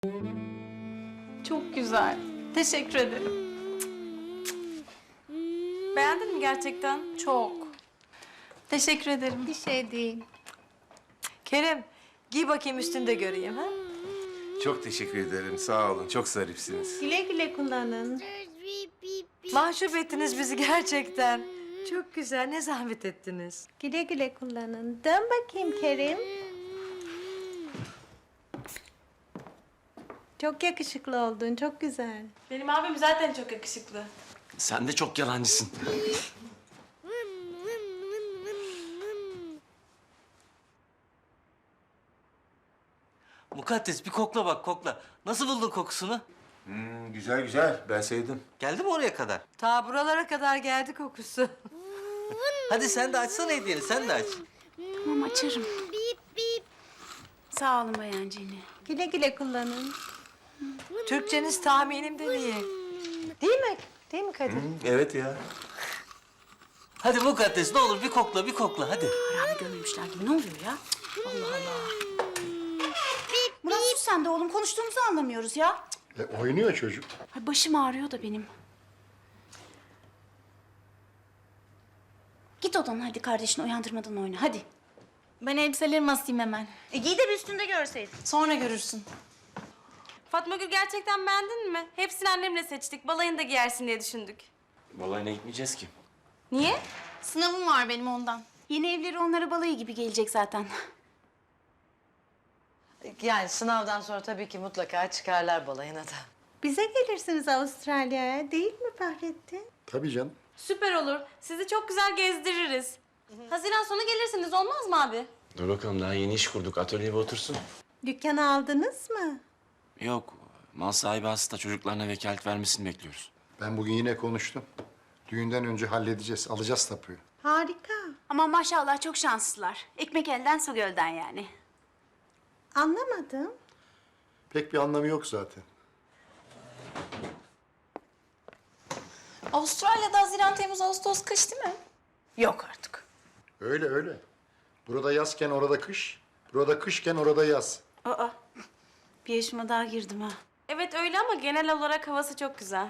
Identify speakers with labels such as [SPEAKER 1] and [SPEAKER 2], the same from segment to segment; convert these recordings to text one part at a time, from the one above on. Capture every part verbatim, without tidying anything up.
[SPEAKER 1] Çok güzel. Teşekkür ederim. Beğendin mi gerçekten? Çok. Teşekkür ederim.
[SPEAKER 2] Bir şey değil.
[SPEAKER 3] Kerem, giy bakayım üstünde göreyim ha.
[SPEAKER 4] Çok teşekkür ederim. Sağ olun. Çok zarifsiniz.
[SPEAKER 2] Güle güle kullanın.
[SPEAKER 3] Mahcup ettiniz bizi gerçekten. Çok güzel, ne zahmet ettiniz.
[SPEAKER 2] Güle güle kullanın. Dön bakayım Kerim. Çok yakışıklı oldun, çok güzel.
[SPEAKER 1] Benim abim zaten çok yakışıklı.
[SPEAKER 5] Sen de çok yalancısın. Mukaddes bir kokla bak kokla. Nasıl buldun kokusunu?
[SPEAKER 4] Hmm, güzel güzel. Ben sevdim.
[SPEAKER 5] Geldi mi oraya kadar?
[SPEAKER 3] Ta buralara kadar geldi kokusu.
[SPEAKER 5] Hadi sen de açsana hediyeni, sen de aç.
[SPEAKER 6] Tamam açarım. Sağ olun Bayan Cini.
[SPEAKER 2] Güle güle kullanın.
[SPEAKER 3] Türkçeniz tahminimden iyi. Değil mi? Değil mi Kadir?
[SPEAKER 4] Hmm, evet ya.
[SPEAKER 5] Hadi Mukaddes ne olur bir kokla, bir kokla hadi.
[SPEAKER 6] Harami görmemişler gibi. Ne oluyor ya? Allah Allah. Murat sus sen de oğlum. Konuştuğumuzu anlamıyoruz ya.
[SPEAKER 7] E, oynuyor çocuk.
[SPEAKER 6] Ay, başım ağrıyor da benim. Git odana hadi kardeşini uyandırmadan oyna hadi.
[SPEAKER 1] Ben elbiselerimi asayım hemen.
[SPEAKER 6] E giy de bir üstünde görseydin.
[SPEAKER 1] Sonra görürsün. Fatma Gül gerçekten beğendin mi? Hepsini annemle seçtik. Balayında giyersin diye düşündük.
[SPEAKER 5] Balayına gitmeyeceğiz ki.
[SPEAKER 1] Niye? Sınavım var benim ondan.
[SPEAKER 6] Yeni evleri onlara balayı gibi gelecek zaten.
[SPEAKER 3] Yani sınavdan sonra tabii ki mutlaka çıkarlar balayına da.
[SPEAKER 2] Bize gelirsiniz Avustralya'ya, değil mi Fahrettin?
[SPEAKER 7] Tabii canım.
[SPEAKER 1] Süper olur. Sizi çok güzel gezdiririz. Haziran sonu gelirsiniz olmaz mı abi?
[SPEAKER 5] Dur bakalım daha yeni iş kurduk. Atölyeye bir otursun.
[SPEAKER 2] Dükkanı aldınız mı?
[SPEAKER 5] Yok. Mal sahibi hasta. Çocuklarına vekalet vermesini bekliyoruz.
[SPEAKER 7] Ben bugün yine konuştum. Düğünden önce halledeceğiz. Alacağız tapuyu.
[SPEAKER 2] Harika.
[SPEAKER 6] Ama maşallah çok şanslılar. Ekmek elden su gölden yani.
[SPEAKER 2] Anlamadım.
[SPEAKER 7] Pek bir anlamı yok zaten.
[SPEAKER 1] Avustralya'da Haziran, Temmuz, Ağustos, kış değil mi?
[SPEAKER 6] Yok artık.
[SPEAKER 7] Öyle öyle. Burada yazken orada kış. Burada kışken orada yaz.
[SPEAKER 6] Aa, bir yaşıma daha girdim ha.
[SPEAKER 1] Evet öyle ama genel olarak havası çok güzel.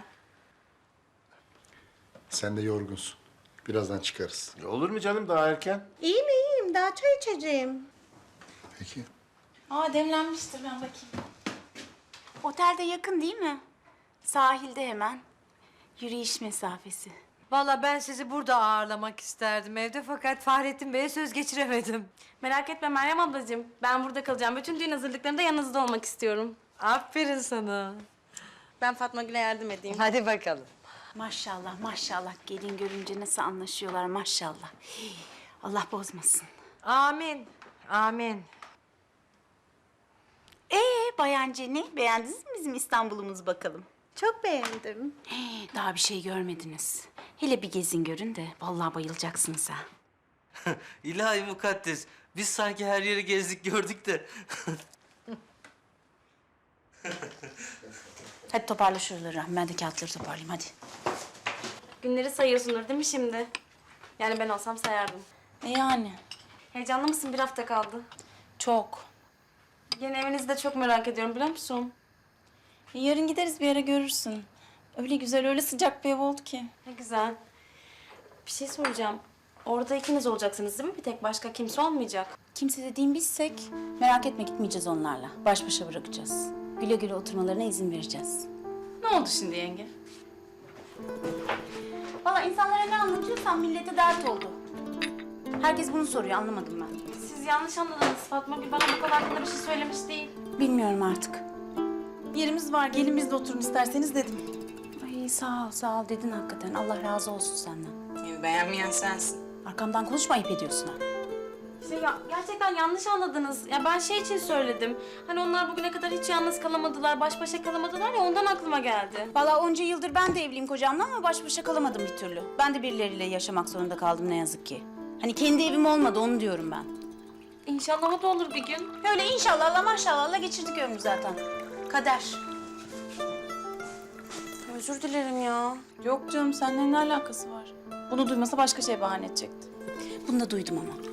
[SPEAKER 7] Sen de yorgunsun. Birazdan çıkarız.
[SPEAKER 4] Olur mu canım daha erken?
[SPEAKER 2] İyiyim iyiyim, daha çay içeceğim.
[SPEAKER 7] Peki.
[SPEAKER 1] Aa demlenmiştir ben bakayım.
[SPEAKER 6] Otelde yakın değil mi? Sahilde hemen. Yürüyüş mesafesi.
[SPEAKER 3] Vallahi ben sizi burada ağırlamak isterdim evde fakat Fahrettin Bey'e söz geçiremedim.
[SPEAKER 1] Merak etme Meryem ablacığım. Ben burada kalacağım. Bütün düğün hazırlıklarında yanınızda olmak istiyorum.
[SPEAKER 3] Aferin sana.
[SPEAKER 1] Ben Fatma Gül'e yardım edeyim.
[SPEAKER 3] Hadi bakalım.
[SPEAKER 6] Maşallah maşallah gelin görünce nasıl anlaşıyorlar maşallah. Hii, Allah bozmasın.
[SPEAKER 3] Amin. Amin.
[SPEAKER 6] Ee Bayan Ceni beğendiniz mi bizim İstanbul'umuzu bakalım?
[SPEAKER 2] Çok beğendim.
[SPEAKER 6] Ee, daha bir şey görmediniz. Hele bir gezin görün de vallahi bayılacaksınız ha.
[SPEAKER 5] İlahi Mukaddes. Biz sanki her yeri gezdik gördük de.
[SPEAKER 6] Hadi toparla şuraları. Ben de kağıtları toparlayayım hadi.
[SPEAKER 1] Günleri sayıyorsundur değil mi şimdi? Yani ben olsam sayardım.
[SPEAKER 6] E yani?
[SPEAKER 1] Heyecanlı mısın? Bir hafta kaldı.
[SPEAKER 6] Çok.
[SPEAKER 1] Yeni evinizi de çok merak ediyorum biliyor musun?
[SPEAKER 8] E, yarın gideriz bir yere görürsün. Öyle güzel, öyle sıcak bir ev oldu ki.
[SPEAKER 1] Ne güzel. Bir şey soracağım. Orada ikiniz olacaksınız değil mi? Bir tek başka kimse olmayacak.
[SPEAKER 8] Kimse dediğim bizsek merak etme gitmeyeceğiz onlarla. Baş başa bırakacağız. Güle güle oturmalarına izin vereceğiz.
[SPEAKER 1] Ne oldu şimdi yenge?
[SPEAKER 6] Vallahi insanlara ne anlatıyorsam millete dert oldu. Herkes bunu soruyor anlamadım ben.
[SPEAKER 1] Siz yanlış anladınız. Fatma Gül bana bu konu hakkında bir şey söylemiş değil.
[SPEAKER 8] Bilmiyorum artık. Yerimiz var, gelin biz de oturun isterseniz dedim. Ay sağ ol, sağ ol dedin hakikaten. Allah razı olsun senden.
[SPEAKER 1] Yani beğenmeyen sensin.
[SPEAKER 8] Arkamdan konuşma, ayıp ediyorsun ha.
[SPEAKER 1] Şey ya, gerçekten yanlış anladınız. Ya ben şey için söyledim. Hani onlar bugüne kadar hiç yalnız kalamadılar, baş başa kalamadılar ya ondan aklıma geldi.
[SPEAKER 8] Vallahi onca yıldır ben de evliyim kocamla ama baş başa kalamadım bir türlü. Ben de birileriyle yaşamak zorunda kaldım ne yazık ki. Hani kendi evim olmadı onu diyorum ben.
[SPEAKER 1] İnşallah o da olur bir gün.
[SPEAKER 6] Öyle inşallah maşallah geçirdik ömrü zaten. Kader.
[SPEAKER 8] Özür dilerim ya. Yok canım seninle ne alakası var? Bunu duymasa başka şey bahane edecekti.
[SPEAKER 6] Bunu da duydum ama.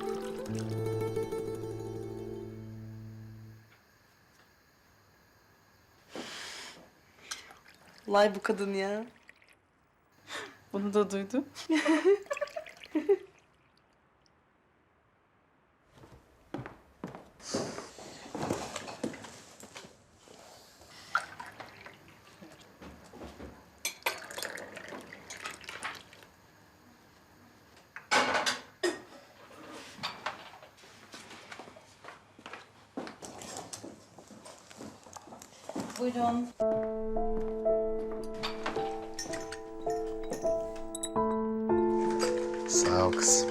[SPEAKER 8] Lay bu kadın ya. Bunu da duydum. Buyurun.
[SPEAKER 7] Sağ ol kızım.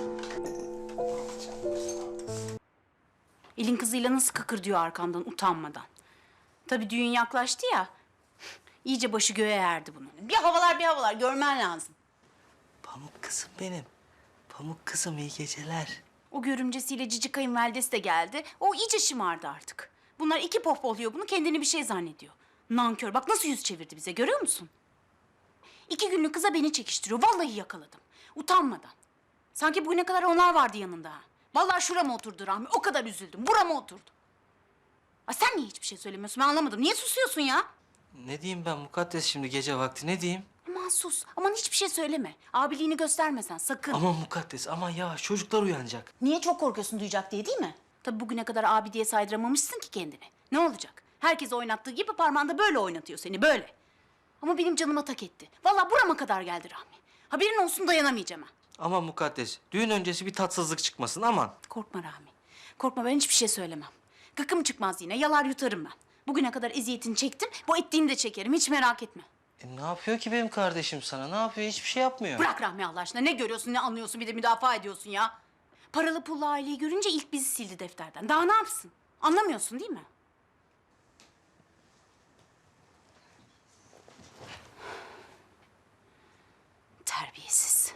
[SPEAKER 8] Elin kızıyla nasıl kıkır diyor arkandan utanmadan. Tabii düğün yaklaştı ya. İyice başı göğe erdi bunun. Bir havalar bir havalar görmen lazım.
[SPEAKER 5] Pamuk kızım benim. Pamuk kızım iyi geceler.
[SPEAKER 8] O görümcesiyle cici kayınvalidesi de geldi. O iyice şımardı artık. Bunlar iki pohpohluyor bunu, kendini bir şey zannediyor. Nankör, bak nasıl yüz çevirdi bize, görüyor musun? İki günlük kıza beni çekiştiriyor. Vallahi yakaladım. Utanmadan. Sanki bugüne kadar onlar vardı yanında. ha. Vallahi şurama oturdu Rahmi. O kadar üzüldüm. Burama oturdu. Aa, sen niye hiçbir şey söylemiyorsun? Ben anlamadım. Niye susuyorsun ya?
[SPEAKER 5] Ne diyeyim ben mukaddes şimdi gece vakti ne diyeyim?
[SPEAKER 8] Aman sus. Aman hiçbir şey söyleme. Abiliğini göstermesen sakın.
[SPEAKER 5] Aman mukaddes aman yavaş çocuklar uyanacak.
[SPEAKER 8] Niye çok korkuyorsun duyacak diye değil mi? Tabii bugüne kadar abi diye saydıramamışsın ki kendini. Ne olacak? Herkes oynattığı gibi parmağında böyle oynatıyor seni böyle. Ama benim canıma tak etti. Vallahi burama kadar geldi Rahmi. Haberin olsun dayanamayacağım ha.
[SPEAKER 5] Aman mukaddes düğün öncesi bir tatsızlık çıkmasın aman.
[SPEAKER 8] Korkma Rahmi. Korkma ben hiçbir şey söylemem. Gıkım çıkmaz yine yalar yutarım ben. Bugüne kadar eziyetini çektim. Bu ettiğini de çekerim hiç merak etme.
[SPEAKER 5] E, ne yapıyor ki benim kardeşim sana? Ne yapıyor? Hiçbir şey yapmıyor.
[SPEAKER 8] Bırak Rahmi Allah aşkına. Ne görüyorsun ne anlıyorsun bir de müdafaa ediyorsun ya. Paralı pullu aileyi görünce ilk bizi sildi defterden. Daha ne yapsın? Anlamıyorsun değil mi? Terbiyesiz.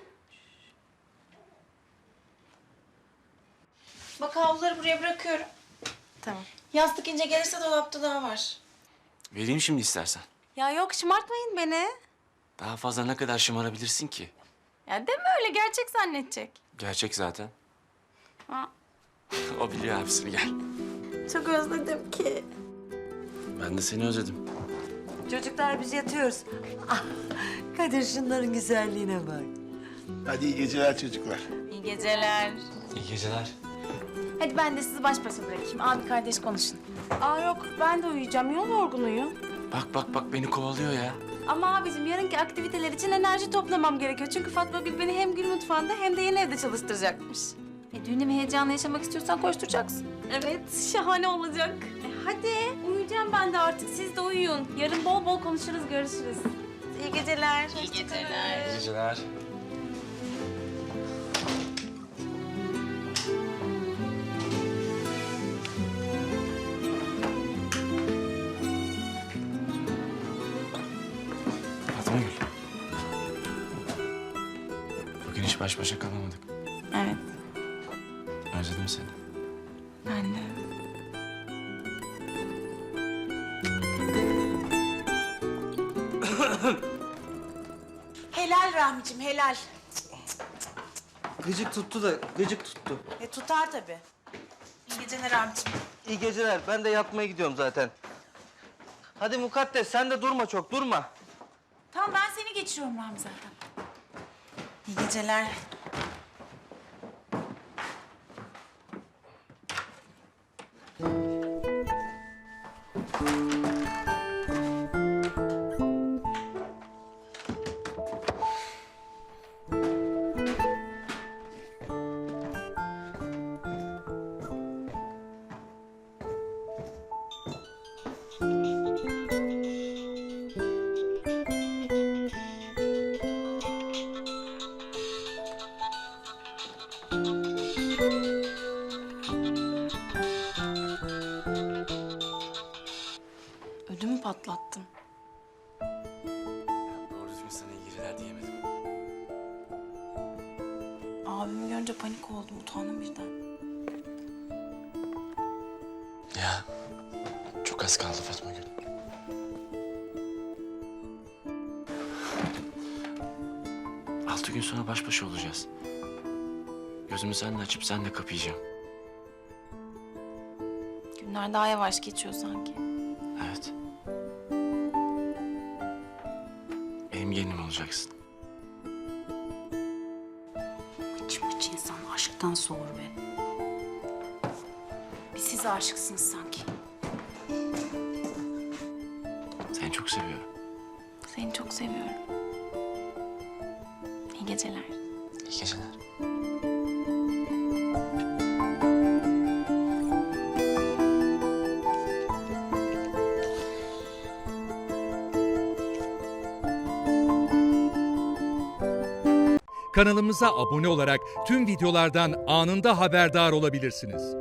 [SPEAKER 9] Bak havluları buraya bırakıyorum.
[SPEAKER 8] Tamam.
[SPEAKER 9] Yastık ince gelirse dolapta daha var.
[SPEAKER 4] Vereyim şimdi istersen.
[SPEAKER 1] Ya yok şımartmayın beni.
[SPEAKER 4] Daha fazla ne kadar şımarabilirsin ki?
[SPEAKER 1] Ya deme öyle gerçek zannedecek.
[SPEAKER 4] Gerçek zaten.
[SPEAKER 1] Ha.
[SPEAKER 4] O biliyor abisini gel.
[SPEAKER 9] Çok özledim ki.
[SPEAKER 4] Ben de seni özledim.
[SPEAKER 3] Çocuklar biz yatıyoruz. Ah, Kadir şunların güzelliğine bak.
[SPEAKER 7] Hadi iyi geceler çocuklar.
[SPEAKER 1] İyi geceler.
[SPEAKER 4] İyi geceler.
[SPEAKER 1] Hadi ben de sizi baş başa bırakayım. Abi kardeş konuşun. Aa yok ben de uyuyacağım. Yol yorgunuyum.
[SPEAKER 4] Bak bak bak beni kovalıyor ya.
[SPEAKER 1] Ama abicim yarınki aktiviteler için enerji toplamam gerekiyor. Çünkü Fatma Gül beni hem Gül Mutfağı'nda hem de yeni evde çalıştıracakmış. E düğünü ve heyecanla yaşamak istiyorsan koşturacaksın. Evet şahane olacak. E, hadi uyuyacağım ben de artık. Siz de uyuyun. Yarın bol bol konuşuruz, görüşürüz.
[SPEAKER 9] İyi geceler.
[SPEAKER 1] İyi geceler.
[SPEAKER 4] İyi geceler. Fatma Gül. Bugün hiç baş başa kalamadık.
[SPEAKER 1] Evet
[SPEAKER 4] Özledim seni.
[SPEAKER 1] ben de.
[SPEAKER 6] Helal Rahmicim helal.
[SPEAKER 5] Gıcık tuttu da gıcık tuttu.
[SPEAKER 6] E tutar tabii. İyi geceler Rahmicim.
[SPEAKER 5] İyi geceler. Ben de yatmaya gidiyorum zaten. Hadi mukaddes sen de durma çok durma.
[SPEAKER 8] Tamam ben seni geçiriyorum Rahmi zaten.
[SPEAKER 6] İyi geceler.
[SPEAKER 8] Ödümü patlattın.
[SPEAKER 4] Doğru düzgün sana iyi geceler diyemedim.
[SPEAKER 8] Abimi görünce panik oldum, utandım birden.
[SPEAKER 4] Ya çok az kaldı Fatma Gül. Altı gün sonra baş başa olacağız. Gözümü seninle açıp seninle kapayacağım.
[SPEAKER 8] Günler daha yavaş geçiyor sanki.
[SPEAKER 4] Evet. benim gelinim olacaksın.
[SPEAKER 8] Mıç mıç insan aşktan soğur be. Bir siz aşıksınız sanki.
[SPEAKER 4] Seni çok seviyorum.
[SPEAKER 1] Seni çok seviyorum. İyi geceler.
[SPEAKER 4] İyi geceler.
[SPEAKER 10] Kanalımıza abone olarak tüm videolardan anında haberdar olabilirsiniz.